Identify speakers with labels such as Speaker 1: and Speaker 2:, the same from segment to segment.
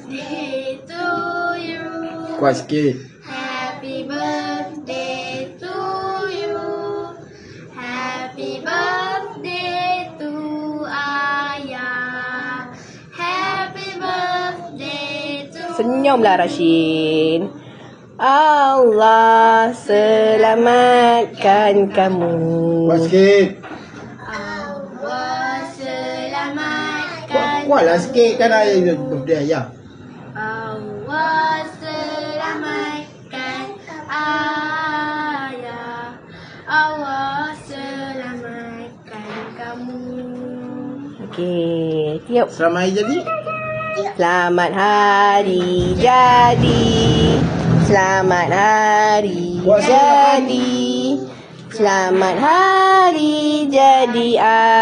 Speaker 1: birthday to you.
Speaker 2: Kuat sikit.
Speaker 1: Happy birthday to you. Happy birthday to Ayah. Happy birthday to
Speaker 3: Senyumlah Rashid. Allah selamatkan kamu.
Speaker 2: Kuat sikit.
Speaker 1: Allah selamatkan
Speaker 2: Kuatlah sikit kan ayah birthday ayah.
Speaker 1: Allah selamatkan Ayah. Allah selamatkan kamu.
Speaker 3: Okey, tiup.
Speaker 2: Selamat hari jadi.
Speaker 3: Selamat hari jadi. Selamat hari jadi. Selamat hari jadi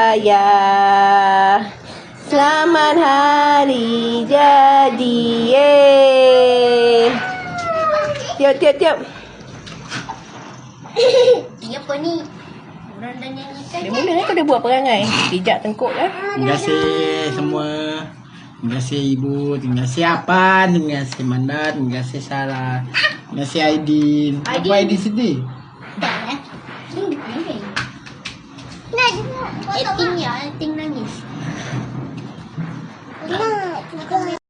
Speaker 3: ayah. Selamat hari jadi. Yeay. Tiup, tiup, tiup.
Speaker 1: Ini apa ni? Orang dah nyanyikan.
Speaker 3: Dia mula kau dah buat perangai. Pijak tengkuk dah.
Speaker 2: Terima kasih semua. Terima kasih Ibu. Terima kasih Apan. Terima kasih Mandan. Terima kasih Sarah. Terima kasih Aidin. Apa Aidin sedih?
Speaker 1: Acting ya, acting nangis.